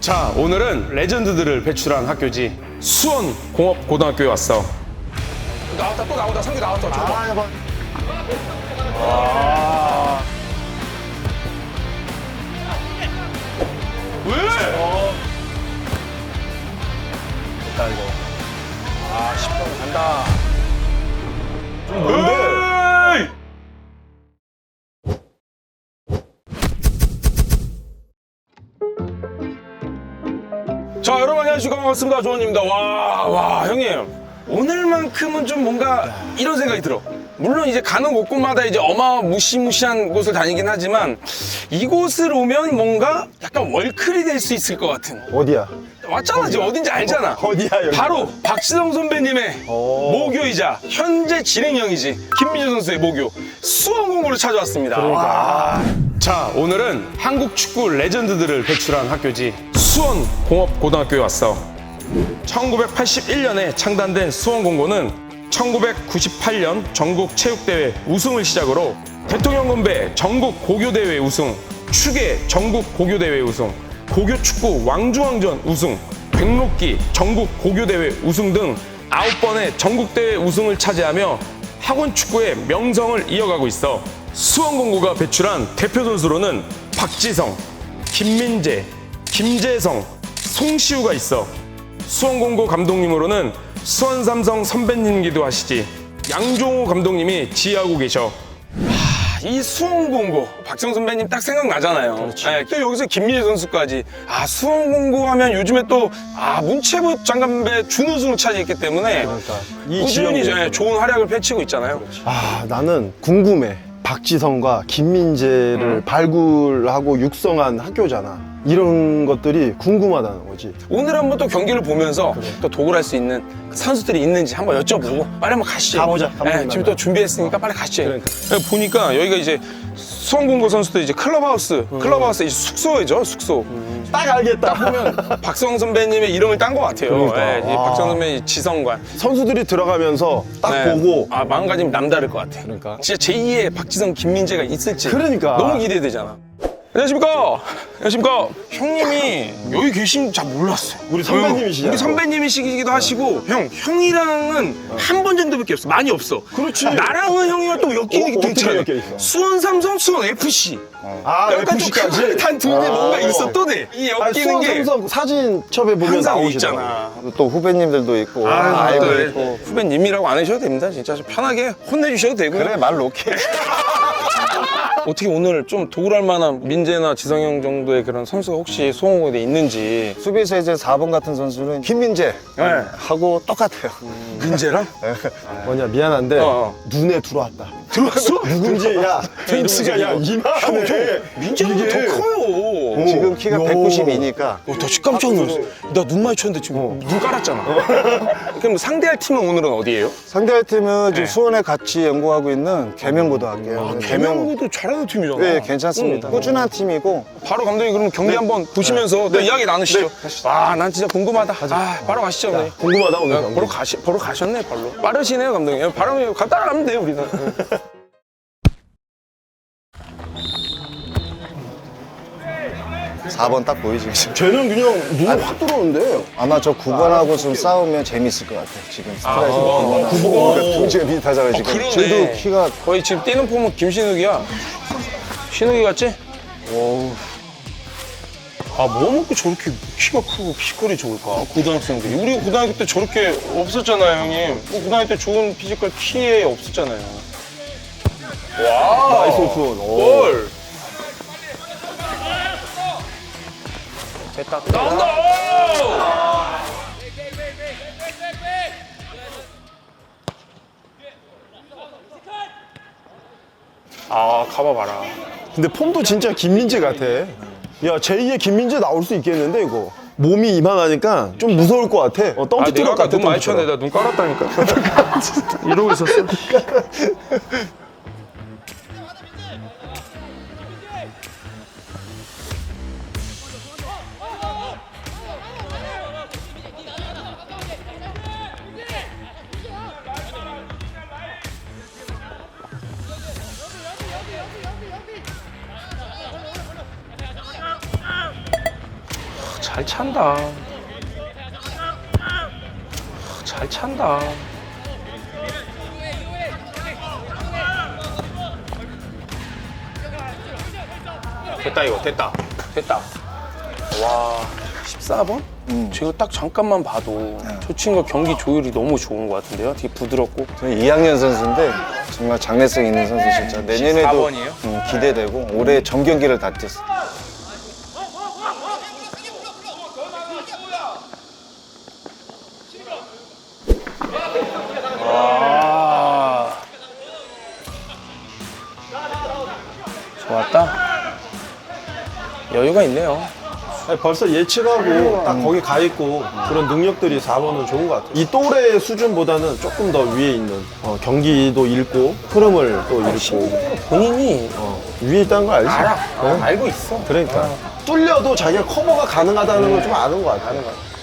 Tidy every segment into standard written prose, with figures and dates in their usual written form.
자, 오늘은 레전드들을 배출한 학교지. 수원공업고등학교에 왔어. 나왔다, 또 나온다. 상규 나왔다. 해봐. 왜? 됐다 이거. 10번 간다. 좀 에이! 자, 여러분 안녕하십니까. 반갑습니다. 조원입니다. 와, 형님. 오늘만큼은 좀 뭔가 이런 생각이 들어. 물론 이제 가는 곳곳마다 이제 어마무시무시한 곳을 다니긴 하지만 이곳을 오면 뭔가 약간 월클이 될 수 있을 것 같은. 어디야? 왔잖아, 지금 어딘지 알잖아. 어디야 여기? 바로 박지성 선배님의 모교이자 현재 진행형이지 김민재 선수의 모교 수원공고를 찾아왔습니다. 그러니까. 자, 오늘은 한국 축구 레전드들을 배출한 학교지. 수원공업고등학교에 왔어. 1981년에 창단된 수원공고는 1998년 전국체육대회 우승을 시작으로 대통령 건배 전국 고교대회 우승, 축의 전국 고교대회 우승, 고교축구 왕중왕전 우승, 백록기 전국 고교대회 우승 등 9번의 전국대회 우승을 차지하며 학원축구의 명성을 이어가고 있어. 수원공고가 배출한 대표 선수로는 박지성, 김민재, 김재성, 송시우가 있어. 수원공고 감독님으로는 수원삼성 선배님이기도 하시지. 양종호 감독님이 지휘하고 계셔. 이 수원공고 박지성 선배님 딱 생각나잖아요. 그렇지. 네, 또 여기서 김민재 선수까지. 수원공고 하면 요즘에 또 문체부 장갑배 준우승을 차지했기 때문에 그러니까 이 꾸준히 지역에서. 좋은 활약을 펼치고 있잖아요. 나는 궁금해. 박지성과 김민재를 발굴하고 육성한 학교잖아. 이런 것들이 궁금하다는 거지. 오늘 한번 또 경기를 보면서 또 도굴할 수 있는 선수들이 있는지 한번 여쭤보고 빨리 한번 가시죠. 가보자, 네, 감독님 지금 만나러. 또 준비했으니까 빨리 가시죠. 그러니까. 보니까 여기가 이제 수원공고 선수들 이제 클럽하우스 이제 숙소이죠, 숙소. 딱 알겠다. 보면 박성 선배님의 이름을 딴 것 같아요. 그러니까. 네, 이 박성 선배님 지성관. 선수들이 들어가면서 딱 네. 보고 마음가짐이 남다를 것 같아요. 그러니까. 진짜 제2의 박지성, 김민재가 있을지. 그러니까. 너무 기대되잖아. 안녕하십니까? 안녕하십니까? 형님이 여기 계신 잘 몰랐어요. 우리 선배님이시잖아. 우리 선배님이시기도 하시고 형이랑은 한 번 정도밖에 없어. 많이 없어. 그렇지. 나랑은 형이랑 또 엮이는 게 어떻게 있잖아. 엮여 있어? 수원 삼성, 수원 FC. 약간 FC까지? 좀 단 둘이 뭔가 있었더니 이 엮이는 게 수원 사진첩에 보면 항상 나오시잖아. 있잖아. 또 후배님들도 있고 아이고, 아이고 또 있고 후배님이라고 안 하셔도 됩니다. 진짜 좀 편하게 혼내주셔도 되고요. 그래 말 놓게 어떻게 오늘 좀 도굴할 만한 민재나 지성형 정도의 그런 선수가 혹시 수원공고에 있는지. 수비에서 이제 4번 같은 선수는 김민재 네. 하고 똑같아요. 민재랑? 뭐냐 미안한데 어. 눈에 들어왔다. 들어왔어? 누군지 야 페인트가 야 이만해. 민재보다 더 커요. 지금 키가 192니까 나 진짜 깜짝 놀랐어. 나 눈 마주쳤는데 지금 눈 깔았잖아. 그럼 상대할 팀은 오늘은 어디예요? 상대할 팀은 지금 네. 수원에 같이 연구하고 있는 계명고등학교예요. 개명고도 잘하는 팀이잖아. 네, 괜찮습니다. 꾸준한 팀이고 바로 감독님 그럼 경기 한번 보시면서 또 이야기 나누시죠. 난 진짜 궁금하다. 바로 가시죠. 오늘. 궁금하다 오늘 경기. 보러 가셨네, 발로. 빠르시네요, 감독님. 바로 따라가면 돼요, 우리는. 4번 딱 보이지 지금. 쟤는 그냥 눈이 확 들어오는데. 아마 저 9번하고 좀 싸우면 재밌을 것 같아. 지금 스트라이크 9번과 동지가 비슷하잖아요 지금. 그러네. 쟤도 키가 거의 지금 뛰는 폼은 김신욱이야. 신욱이 같지? 뭐 먹고 저렇게 키가 크고 피지컬이 좋을까? 고등학생들이. 우리 고등학교 때 저렇게 없었잖아요, 형님. 고등학교 때 좋은 피지컬 키에 없었잖아요. 와, 나이스 오픈. 골! 됐다. 나온다! 가봐봐라. 근데 폼도 진짜 김민재 같아. 야 제2의 김민재 나올 수 있겠는데 이거. 몸이 이만하니까 좀 무서울 것 같아. 덤프 내가 트럭 아까 같아. 눈 많이 쳤는데 나 눈 깔았다니까. 이러고 있었어. 잘 찬다. 잘 찬다. 됐다 이거 됐다. 와 14번? 제가 딱 잠깐만 봐도 저 친구가 경기 조율이 너무 좋은 것 같은데요. 되게 부드럽고. 저는 2학년 선수인데 정말 장래성 있는 선수 진짜 내년에도 14번이에요? 기대되고 올해 전 경기를 다 뛰었어. 아 좋았다. 여유가 있네요. 아니, 벌써 예측하고 딱 거기 가 있고 그런 능력들이 4번은 좋은 것 같아요. 이 또래 수준보다는 조금 더 위에 있는 경기도 읽고 흐름을 또 읽고 본인이 위에 있다는 걸 알지? 알아. 알고 있어. 그러니까 뚫려도 자기가 커버가 가능하다는 걸 좀 아는 것 같아.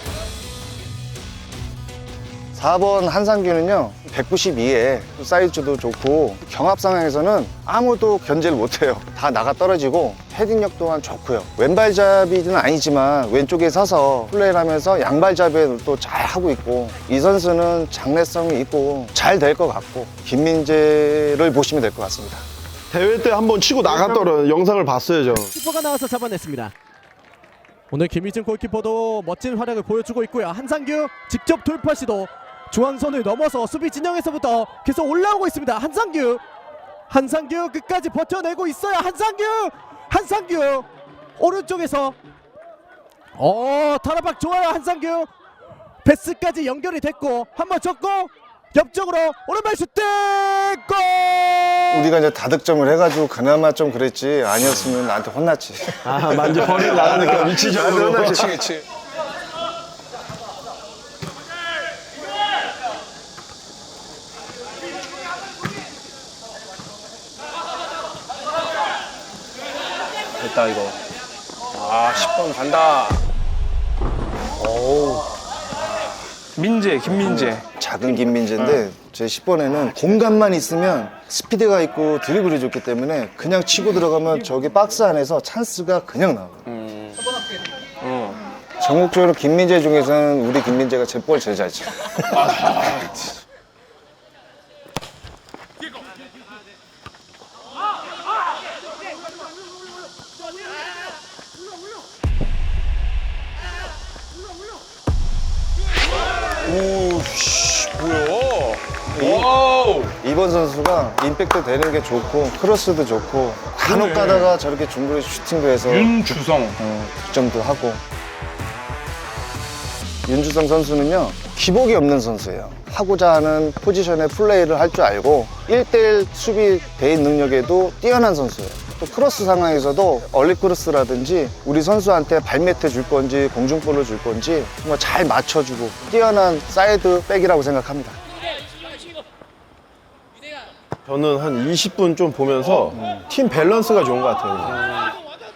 4번 한상규는요 192에 사이즈도 좋고 경합 상황에서는 아무도 견제를 못해요. 다 나가 떨어지고 헤딩력 또한 좋고요. 왼발잡이는 아니지만 왼쪽에 서서 플레이를 하면서 양발잡이를 또 잘 하고 있고 이 선수는 장래성이 있고 잘 될 것 같고 김민재를 보시면 될 것 같습니다. 대회 때 한번 치고 나갔더라 영상을 봤어요 저. 키퍼가 나와서 잡아냈습니다. 오늘 김희준 골키퍼도 멋진 활약을 보여주고 있고요. 한상규 직접 돌파 시도 중앙선을 넘어서 수비 진영에서부터 계속 올라오고 있습니다. 한상규 끝까지 버텨내고 있어요. 한상규 오른쪽에서 타라박 좋아요. 한상규 패스까지 연결이 됐고 한번 쳤고 옆쪽으로 오른발 슈팅 골! 우리가 이제 다득점을 해가지고 그나마 좀 그랬지 아니었으면 나한테 혼났지. 아 만지 버리고 나가니까 위치적으로. 그렇지. 됐다 이거. 아 10번 간다. 오. 김민재. 작은 김민재인데 제 10번에는 공간만 있으면 스피드가 있고 드리블이 좋기 때문에 그냥 치고 들어가면 저기 박스 안에서 찬스가 그냥 나와요. 전국적으로 김민재 중에서는 우리 김민재가 제 볼 제일 잘 쳐. 오씨 뭐야? 와우. 이번 선수가 임팩트 되는 게 좋고 크로스도 좋고 간혹 가다가 저렇게 중거리 슈팅도 해서 윤주성. 득점도 하고. 윤주성 선수는요 기복이 없는 선수예요. 하고자 하는 포지션의 플레이를 할 줄 알고 1대1 수비 대인 능력에도 뛰어난 선수예요. 또 크로스 상황에서도 얼리 크로스라든지 우리 선수한테 발매트 줄 건지 공중볼을 줄 건지 정말 잘 맞춰주고 뛰어난 사이드 백이라고 생각합니다. 저는 한 20분 좀 보면서 팀 밸런스가 좋은 것 같아요.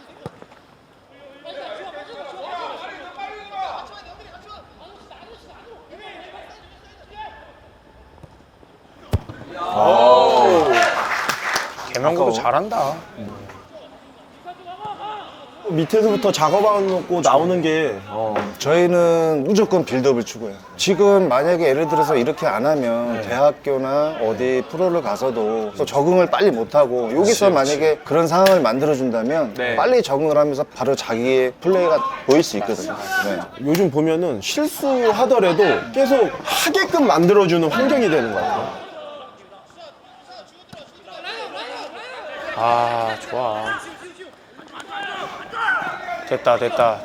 개명구도 잘한다. 밑에서부터 작업하고 나오는 게 저희는 무조건 빌드업을 추구해요. 지금 만약에 예를 들어서 이렇게 안 하면 대학교나 어디 프로를 가서도 또 적응을 빨리 못하고 여기서 만약에 그런 상황을 만들어준다면 네. 빨리 적응을 하면서 바로 자기의 플레이가 보일 수 있거든요. 네. 요즘 보면은 실수하더라도 계속 하게끔 만들어주는 환경이 되는 것 같아요. 아 좋아. 됐다.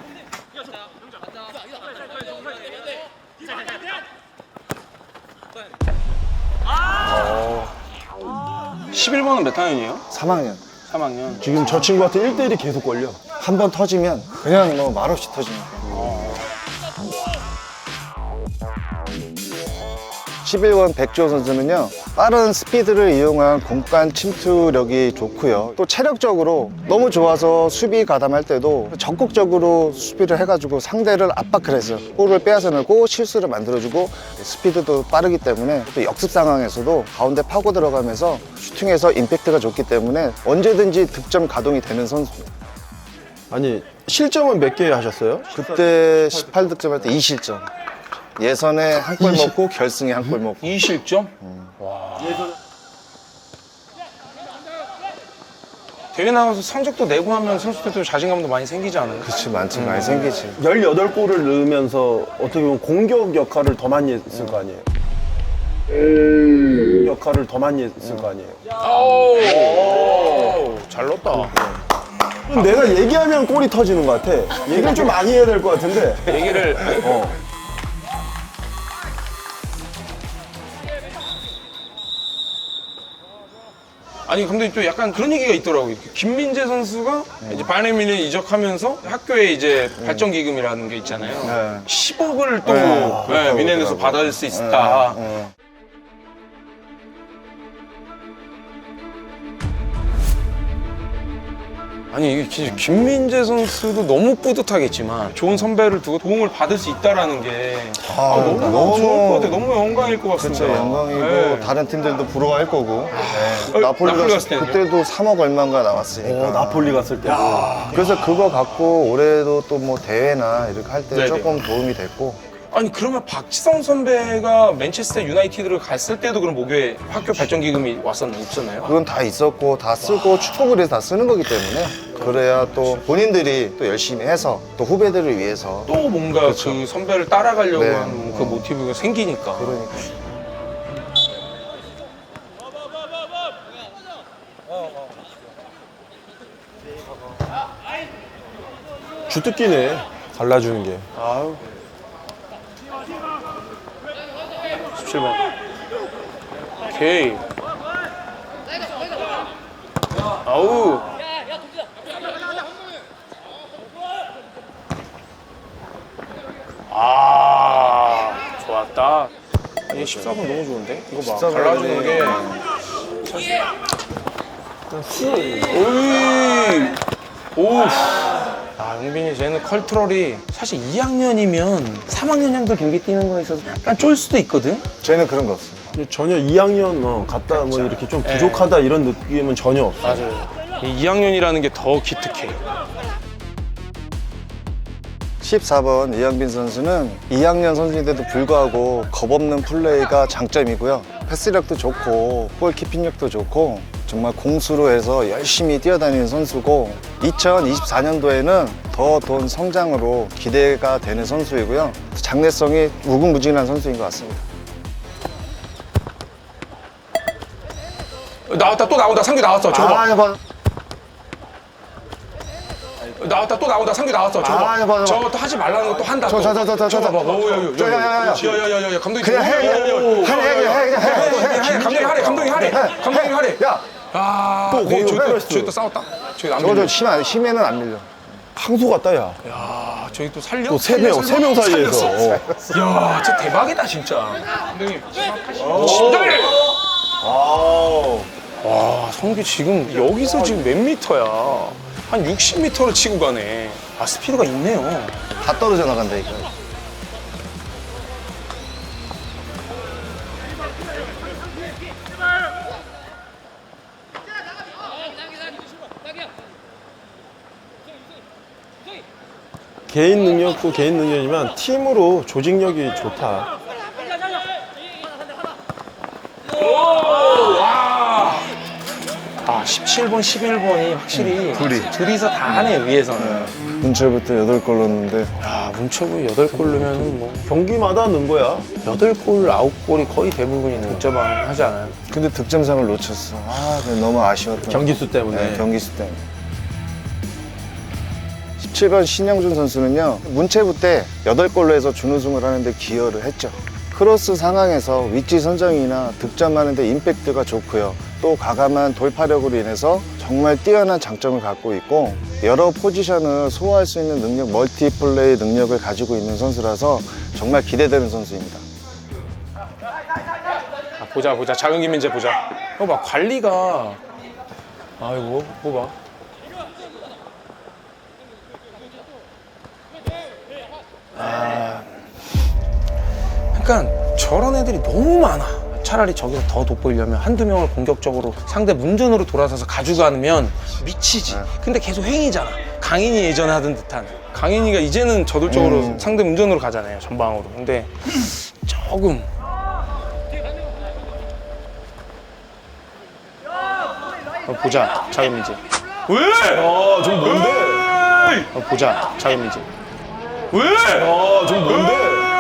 11번은 몇 학년이에요? 3학년. 3학년. 지금 저 친구한테 1대1이 계속 걸려. 한 번 터지면 그냥 뭐 말없이 터지니까. 11번 백주호 선수는요 빠른 스피드를 이용한 공간 침투력이 좋고요 또 체력적으로 너무 좋아서 수비 가담할 때도 적극적으로 수비를 해가지고 상대를 압박을 해서 볼을 빼앗아 넣고 실수를 만들어주고 스피드도 빠르기 때문에 또 역습 상황에서도 가운데 파고 들어가면서 슈팅에서 임팩트가 좋기 때문에 언제든지 득점 가동이 되는 선수입니다. 아니 실점은 몇 개 하셨어요? 그때 18득점 할 때 2실점. 예선에 한 골 먹고 결승에 한 골 먹고. 2실점? 대회 나가서 성적도 내고 하면 선수들도 자신감도 많이 생기지 않아요? 그치, 많지, 많이 생기지. 18골을 넣으면서 어떻게 보면 공격 역할을 더 많이 했을 거 아니에요? 역할을 더 많이 했을 거 아니에요? 오, 잘 넣었다. 내가 얘기하면 골이 터지는 것 같아. 얘기를 좀 많이 해야 될 것 같은데. 얘기를 아니 근데 또 약간 그런 얘기가 있더라고요. 김민재 선수가 이제 바이에른 뮌헨 이적하면서 학교에 이제 발전 기금이라는 게 있잖아요. 네. 10억을 또 그렇다고 뮌헨에서 그러더라고요. 받을 수 있다. 아니 이게 진짜 김민재 선수도 너무 뿌듯하겠지만 좋은 선배를 두고 도움을 받을 수 있다라는 게 너무 좋을 것 같아요. 너무 영광일 것 같습니다. 진짜 영광이고 네. 다른 팀들도 부러워할 거고. 네. 나폴리 나폴리 갔을 갔을 때는요? 그때도 3억 얼마인가 나왔으니까. 나폴리 갔을 때. 그래서 그거 갖고 올해도 또 뭐 대회나 이렇게 할 때 네네. 조금 도움이 됐고. 아니 그러면 박지성 선배가 맨체스터 유나이티드를 갔을 때도 그럼 목요에 학교 발전 기금이 없었나요? 그건 다 있었고 다 쓰고 축복을 해서 다 쓰는 거기 때문에 그래야 또 본인들이 또 열심히 해서 또 후배들을 위해서 또 뭔가 그 선배를 따라가려고 네. 하는 그 모티브가 생기니까. 그러니까. 주특기네. 갈라주는 게. 아유. 17번. 오케이. 아우. 아, 좋았다. 이 14번 너무 좋은데? 이거 봐. 14번 갈라주는 게. 오이. 오. 아, 영빈이 쟤는 컬트럴이 사실 2학년이면 3학년형도 경기 뛰는 거에 있어서 약간 쫄 수도 있거든? 저희는 그런 거 없어요. 전혀 2학년 갔다 뭐 이렇게 좀 부족하다 이런 느낌은 전혀 없어. 맞아요. 이 2학년이라는 게 더 기특해. 14번 이영빈 선수는 2학년 선수인데도 불구하고 겁없는 플레이가 장점이고요. 패스력도 좋고 골키핑력도 좋고 정말 공수로 해서 열심히 뛰어다니는 선수고 2024년도에는 더 돈 성장으로 기대가 되는 선수이고요. 장래성이 무궁무진한 선수인 것 같습니다. 나왔다, 또 나온다. 상규 나왔어. 저거 봐. 봐. 나왔다, 또 나온다. 상규 나왔어. 저거 봐. 아, 봐. 저거 또 하지 말라는 거 또 한다. 저 저거 저. 봐봐. 야야야야. 감독님. 그냥 해, 감독님 하래. 감독님 하래. 야, 아, 또 거기로 저기 또 싸웠다. 저기 안 저거 밀려. 심해는 안 밀려. 항소 같다, 야. 야, 저기 또 살려? 또 세 명 사이에서. 살렸어. 야, 진짜 대박이다, 진짜. 감독님. 진짜. 와, 성규 지금 여기서 지금 몇 미터야? 한 60m를 치고 가네. 아, 스피드가 있네요. 다 떨어져 나간다니까. 개인 능력도 개인 능력이지만 팀으로 조직력이 좋다. 아, 17번, 11번이 확실히 둘이서 다 하네, 위에서는. 문철부터 8골 넣었는데 야, 문초구 8골 넣으면 뭐 경기마다 넣은 거야. 8골, 9골이 거의 대부분이 득점왕 하지 않아요? 근데 득점상을 놓쳤어. 아, 그게 너무 아쉬웠던 경기수 때문에. 네, 경기수 때문에. 17번 신영준 선수는요, 문체부 때 8골로 해서 준우승을 하는데 기여를 했죠. 크로스 상황에서 위치 선정이나 득점하는데 임팩트가 좋고요. 또 과감한 돌파력으로 인해서 정말 뛰어난 장점을 갖고 있고 여러 포지션을 소화할 수 있는 능력, 멀티플레이 능력을 가지고 있는 선수라서 정말 기대되는 선수입니다. 아, 보자. 작은 김민재 보자. 봐, 관리가. 아이고, 뭐 봐. 그러니까 저런 애들이 너무 많아. 차라리 저기서 더 돋보이려면 한두 명을 공격적으로 상대 문전으로 돌아서서 가져가면 미치지. 근데 계속 횡이잖아. 강인이 예전에 하던 듯한. 강인이가 이제는 저돌적으로 상대 문전으로 가잖아요, 전방으로. 근데 조금 보자, 자유민지. 왜? 좀 뭔데? 보자, 자유민지. 왜? 좀 뭔데?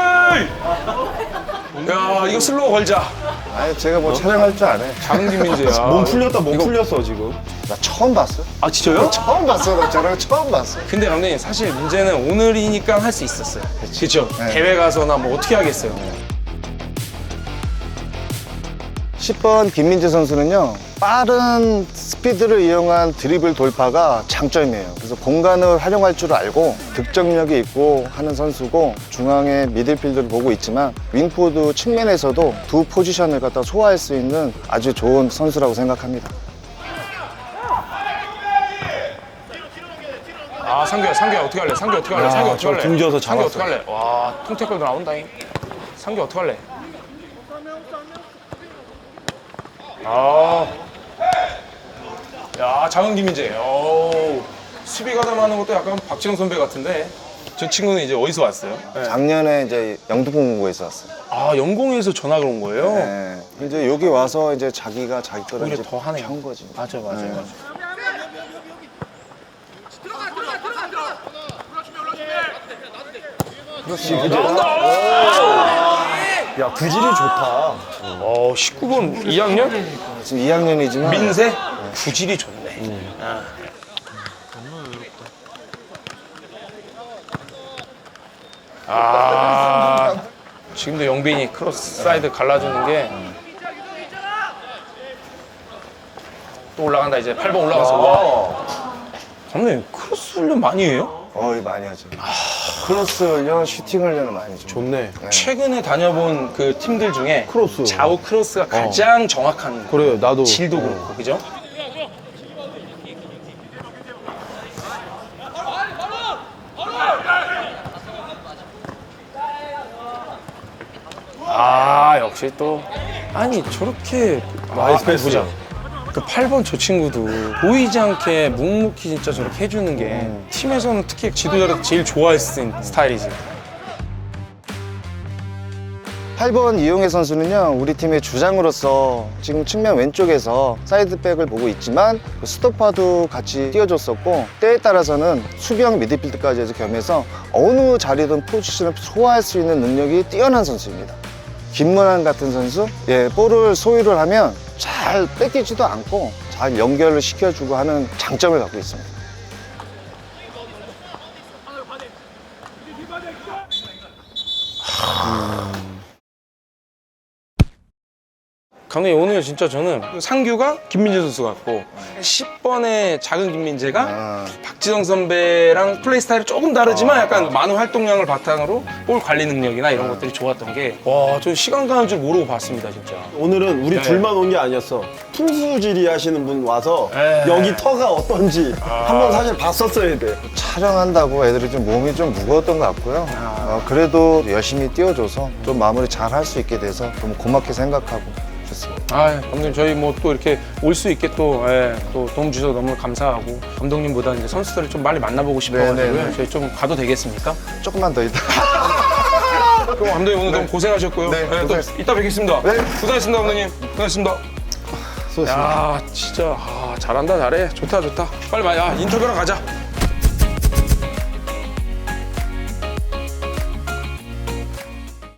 야, 이거 슬로우 걸자. 아니 제가 뭐 촬영할 줄 아네. 작은 김민재야. 몸 풀렸다, 몸 풀렸어, 지금. 나 처음 봤어. 아, 진짜요? 처음 봤어. 나 저랑 처음 봤어. 근데 감독님 사실 문제는 오늘이니까 할 수 있었어요. 그렇죠. 네. 대회 가서나 뭐 어떻게 하겠어요. 10번 김민재 선수는요, 빠른 스피드를 이용한 드리블 돌파가 장점이에요. 그래서 공간을 활용할 줄 알고 득점력이 있고 하는 선수고, 중앙에 미들필드를 보고 있지만 윙포드 측면에서도 두 포지션을 갖다 소화할 수 있는 아주 좋은 선수라고 생각합니다. 아, 상규야 어떻게 할래? 상규 어떻게 할래? 상규 어떻게 저 할래? 등져서 상규 어떻게 잡았어요. 할래? 와, 통태클도 나온다잉. 상규 어떻게 할래? 아, 야, 작은 김민재. 오, 수비 가담하는 것도 약간 박지영 선배 같은데. 저 친구는 이제 어디서 왔어요? 작년에 이제 영등포공고에서 왔어요. 아, 영공에서 전화가 온 거예요? 네. 이제 여기 와서 이제 자기가 자기 거를 오히려 이제 더 하네요. 한 거지. 맞아. 야, 구질이 좋다. 19번 2학년? 지금 2학년이지만 민세? 구질이 좋네. 지금도 영빈이 크로스 사이드 갈라주는 게 또 올라간다. 이제 8번 올라가서. 와. 감독님 크로스 훈련 많이 해요? 거의 많이 하죠. 크로스 훈련, 슈팅 훈련을 많이 줘. 좋네. 최근에 다녀본 그 팀들 중에 크로스. 좌우 크로스가 가장 정확한 그래요, 나도. 질도 그렇고, 그죠? 아, 역시 또 아니 저렇게 나이스 패스. 보자. 그 8번 저 친구도 보이지 않게 묵묵히 진짜 저렇게 해주는 게 팀에서는 특히 지도자로서 제일 좋아할 수 있는 스타일이지. 8번 이용혜 선수는요, 우리 팀의 주장으로서 지금 측면 왼쪽에서 사이드백을 보고 있지만 스토퍼도 같이 띄워줬었고, 때에 따라서는 수비형 미드필드까지 해서 겸해서 어느 자리든 포지션을 소화할 수 있는 능력이 뛰어난 선수입니다. 김문환 같은 선수, 볼을 소유를 하면 잘 뺏기지도 않고 잘 연결을 시켜주고 하는 장점을 갖고 있습니다. 감독님 오늘 진짜 저는 상규가 김민재 선수 같고 10번의 작은 김민재가 박지성 선배랑 플레이 스타일이 조금 다르지만 약간 많은 활동량을 바탕으로 볼 관리 능력이나 이런 것들이 좋았던 게 와, 저 시간 가는 줄 모르고 봤습니다 진짜. 오늘은 우리 둘만 온 게 아니었어. 투수질이 하시는 분 와서 여기 터가 어떤지 한번 사실 봤었어야 돼. 촬영한다고 애들이 좀 몸이 좀 무거웠던 것 같고요. 그래도 열심히 뛰어줘서 좀 마무리 잘 할 수 있게 돼서 너무 고맙게 생각하고 좋습니다. 아, 감독님 저희 뭐 또 이렇게 올 수 있게 또 도움 주셔서 너무 감사하고 감독님보다 이제 선수들을 좀 빨리 만나보고 싶어가지고요. 네네네. 저희 좀 가도 되겠습니까? 조금만 더 있다. 그럼 감독님 오늘 너무 고생하셨고요. 네, 또 고생하셨습니다. 이따 뵙겠습니다. 네. 고생하셨습니다, 감독님. 고생하셨습니다. 수고하셨습니다. 야, 진짜 잘한다, 잘해. 좋다. 빨리 와, 인터뷰하러 가자.